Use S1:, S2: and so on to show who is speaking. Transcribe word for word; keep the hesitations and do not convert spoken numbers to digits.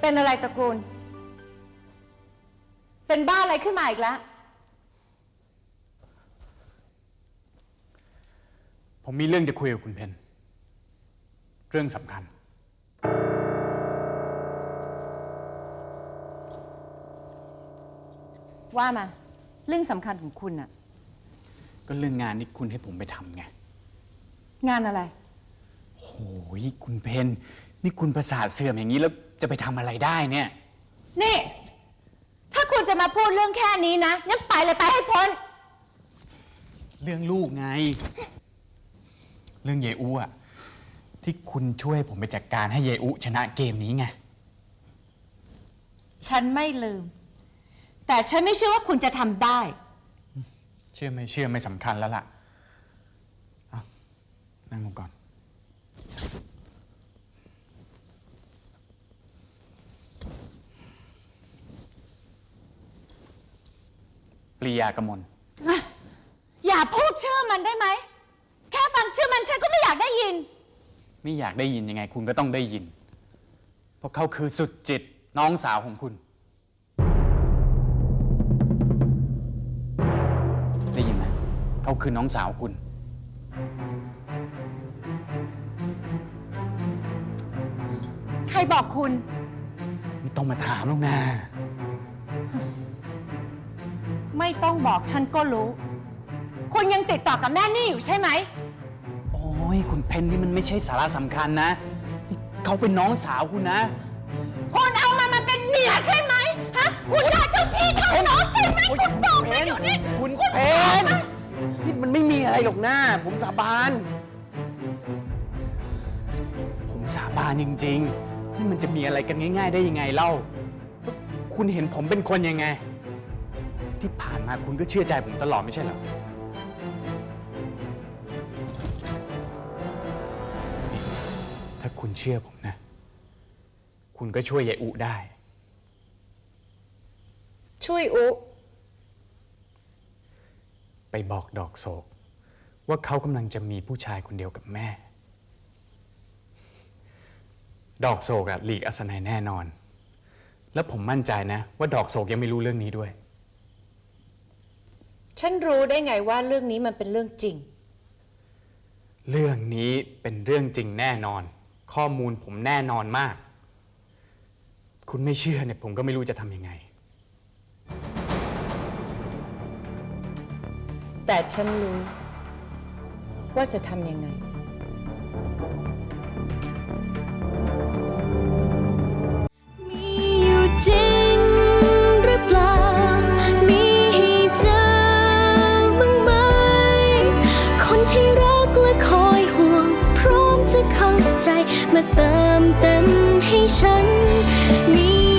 S1: เป็นอะไรตระกูลเป็นบ้าอะไรขึ้นมาอีกแล้ว
S2: ผมมีเรื่องจะคุยกับคุณเพนเรื่องสำคัญ
S1: ว่ามาเรื่องสำคัญของคุณอะ
S2: ก็เรื่องงานที่คุณให้ผมไปทำไง
S1: งานอะไร
S2: โอ้ยคุณเพนนี่คุณประสาทเสื่อมอย่างนี้แล้วจะไปทำอะไรได้เนี่ย
S1: นี่ถ้าคุณจะมาพูดเรื่องแค่นี้นะงั้นไปเลยไปให้พ้น
S2: เรื่องลูกไงเรื่องเยอุอะที่คุณช่วยผมไปจัดการให้เยอุชนะเกมนี้ไง
S1: ฉันไม่ลืมแต่ฉันไม่เชื่อว่าคุณจะทำได้
S2: เชื่อไม่เชื่อไม่สำคัญแล้วล่ะเอานั่งลงก่อนปรียากมล
S1: อย่าพูดชื่อมันได้ไหมแค่ฟังชื่อมันฉันก็ไม่อยากได้ยิน
S2: ไม่อยากได้ยินยังไงคุณก็ต้องได้ยินเพราะเขาคือสุดจิตน้องสาวของคุณได้ยินไหมเขาคือน้องสาวคุณ
S1: ใครบอกคุณ
S2: ไม่ต้องมาถามหรอกนะ
S1: ไม่ต้องบอกฉันก็รู้คุณยังติดต่อกับแม่นี่อยู่ใช่ไหม
S2: โอ้ยคุณเพนนี่มันไม่ใช่สาระสำคัญนะเขาเป็นน้องสาวคุณนะ
S1: คุณเอามันมาเป็นเมียใช่ไหมฮะคุณรักเจ้าพี่เจ้าน้องใช่ไหมคุณบอกมาอยู่นี่
S2: คุณเพนนี่มันไม่มีอะไรหรอกนะผมสาบานผมสาบานจริงๆนี่มันจะมีอะไรกันง่ายๆได้ยังไงเล่าคุณเห็นผมเป็นคนยังไงที่ผ่านมาคุณก็เชื่อใจผมตลอดไม่ใช่เหรอถ้าคุณเชื่อผมนะคุณก็ช่วยยายอุได้
S1: ช่วยอุ
S2: ไปบอกดอกโศกว่าเขากำลังจะมีผู้ชายคนเดียวกับแม่ดอกโศกอะหลีกอัศนัยแน่นอนและผมมั่นใจนะว่าดอกโศกยังไม่รู้เรื่องนี้ด้วย
S1: ฉันรู้ได้ไงว่าเรื่องนี้มันเป็นเรื่องจริง
S2: เรื่องนี้เป็นเรื่องจริงแน่นอนข้อมูลผมแน่นอนมากคุณไม่เชื่อเนี่ยผมก็ไม่รู้จะทำยังไง
S1: แต่ฉันรู้ว่าจะทำยังไง
S3: มีอยู่จริงหรือเปล่ามีให้เจอบ้างไหมคนที่รักและคอยห่วงพร้อมจะเข้าใจมาเติมเต็มให้ฉันมี